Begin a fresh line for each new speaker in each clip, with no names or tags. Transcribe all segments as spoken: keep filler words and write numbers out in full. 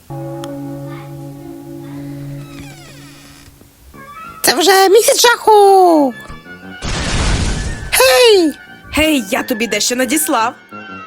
Це вже місяць жаху! Гей!
Гей, я тобі дещо надіслав.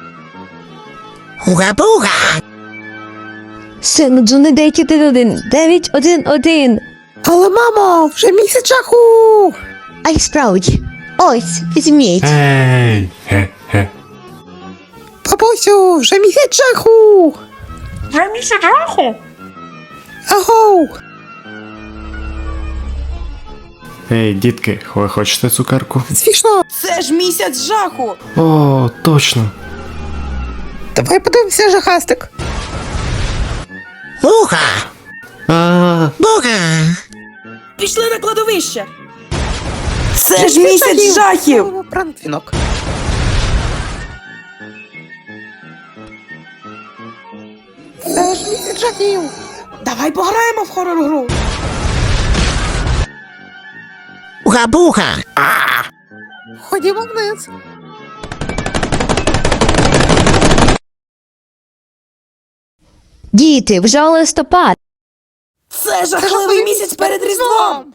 Уга-буга!
Сину, дзвони дев'ять один один. дев'ять один один.
Але, мамо, вже місяць жаху!
А й справді. Ось, візьміть.
Ей, хе-хе.
Бабусю, вже місяць жаху!
Вже місяць жаху?
Агоу!
Ей, дітки, ви хочете цукерку?
Звісно,
Це ж місяць жаху.
О, точно.
давай подивимося жахастик. Уга!
А,
Буга!
Пішли на кладовище. Це ж місяць жахів.
Пранквінок. Це ж місяць жахів!
Давай пограємо в хорор-гру.
Уга-буга! Ходімо вниз.
Діти, вже листопад.
Це жахливий місяць перед Різдвом.